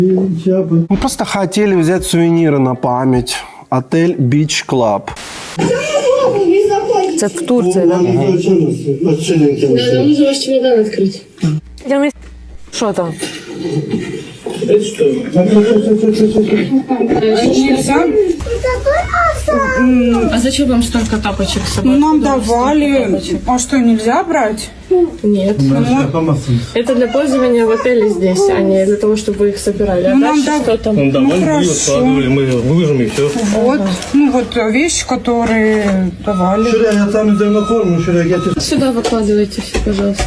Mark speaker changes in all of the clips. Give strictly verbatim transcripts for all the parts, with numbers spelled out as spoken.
Speaker 1: Мы просто хотели взять сувениры на память. Отель Beach Club.
Speaker 2: Це в Турції, так?
Speaker 3: Да, нам нужно ваш чемодан открыть.
Speaker 2: Що там?
Speaker 3: А зачем вам столько тапочек с собой?
Speaker 4: Ну, нам давали. А что, нельзя брать?
Speaker 3: Нет. Это для пользования в отеле здесь, а не для того, чтобы вы их собирали. А
Speaker 4: Ну, нам
Speaker 3: дальше
Speaker 4: дав-
Speaker 3: что там?
Speaker 5: Ну да,
Speaker 4: Ну,
Speaker 5: мы
Speaker 4: хорошо.
Speaker 5: складывали, мы выложим и все.
Speaker 4: Вот. Ну, вот вещи, которые давали.
Speaker 1: Şuraya yatağın üzerine koyun, şuraya getir.
Speaker 3: Сюда выкладывайте все, пожалуйста.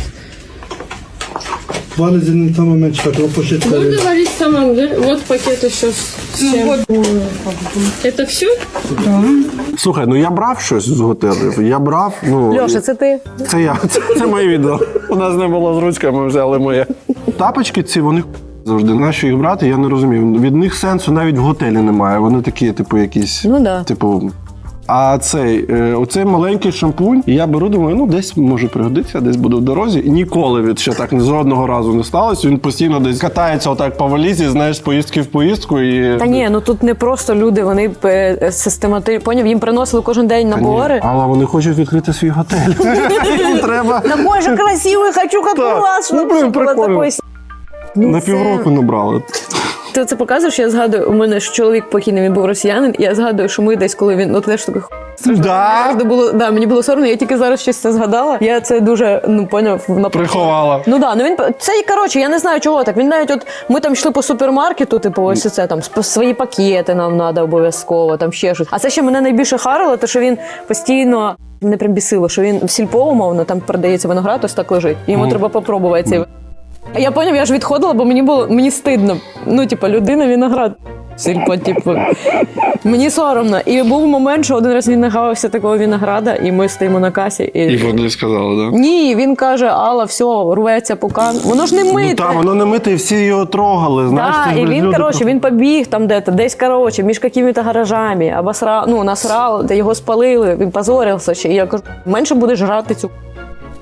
Speaker 1: Valizini tamamen çıkart, o poşetleri.
Speaker 3: Буду говорить сама. Вот пакет еще с
Speaker 4: Ну,
Speaker 3: чем.
Speaker 4: вот.
Speaker 3: Это все?
Speaker 1: Слухай, ну я брав щось з готелів. Я брав, ну...
Speaker 2: Льоша, це ти?
Speaker 1: Це я, це, це моє відео. У нас не було з ручками, ми взяли моє. Тапочки ці, вони завжди. Нащо їх брати, я не розумію. Від них сенсу навіть в готелі немає. Вони такі, типу, якісь...
Speaker 2: Ну да.
Speaker 1: Типу... А цей, е, оцей маленький шампунь, і я беру, думаю, ну десь може пригодитися, десь буду в дорозі. І ніколи від ще так жодного разу не сталося. Він постійно десь катається отак по валізі, знаєш, з поїздки в поїздку. І...
Speaker 2: Та ні, ну тут не просто люди, вони систематично, поняв, їм приносили кожен день набори.
Speaker 1: Але вони хочуть відкрити свій готель. Їм треба
Speaker 2: Да боже, красивий, хочу як
Speaker 1: Так.
Speaker 2: у вас,
Speaker 1: Ну,
Speaker 2: щоб
Speaker 1: блин,
Speaker 2: все було
Speaker 1: прикольно.
Speaker 2: такої. Ну,
Speaker 1: на
Speaker 2: це-
Speaker 1: півроку набрали.
Speaker 2: Ти це показуєш, я згадую, у мене ж чоловік покійний, він був росіянин, і я згадую, що ми десь, коли він, ну теж такий
Speaker 1: Да?
Speaker 2: Завжди було, да, мені було соромно, я тільки зараз щось це згадала. Я це дуже, ну, поняв, на
Speaker 1: Приховала.
Speaker 2: Ну да, ну він це і коротше, я не знаю чого так. Він навіть от ми там йшли по супермаркету, типу, ось це там сп- свої пакети нам треба обов'язково, там ще щось. А це ще мене найбільше харило, то що він постійно мене прям бісило, що він в сільпо, умовно, там продається виноград, ось так лежить. І йому треба попробувати цей. А я поняв, я ж відходила, бо мені було мені стидно. Ну, типу, людина виноград. Сільпо, типу. Мені соромно. І був момент, що один раз він нагавився такого винограда, і ми стоїмо на касі. І...
Speaker 1: І вони сказали, так? Да?
Speaker 2: Ні, він каже, Алла, все, рветься пукан. Воно ж не мите.
Speaker 1: Ну так, воно не мите, і всі його трогали, знаєш.
Speaker 2: Да,
Speaker 1: це ж,
Speaker 2: і
Speaker 1: блін,
Speaker 2: він,
Speaker 1: люди
Speaker 2: коротше,
Speaker 1: просто-
Speaker 2: він побіг там де-то, десь, коротше, між якими-то гаражами, обосрав, ну, насрав, де його спалили, він позорився ще. І я кажу, менше будеш жрати цю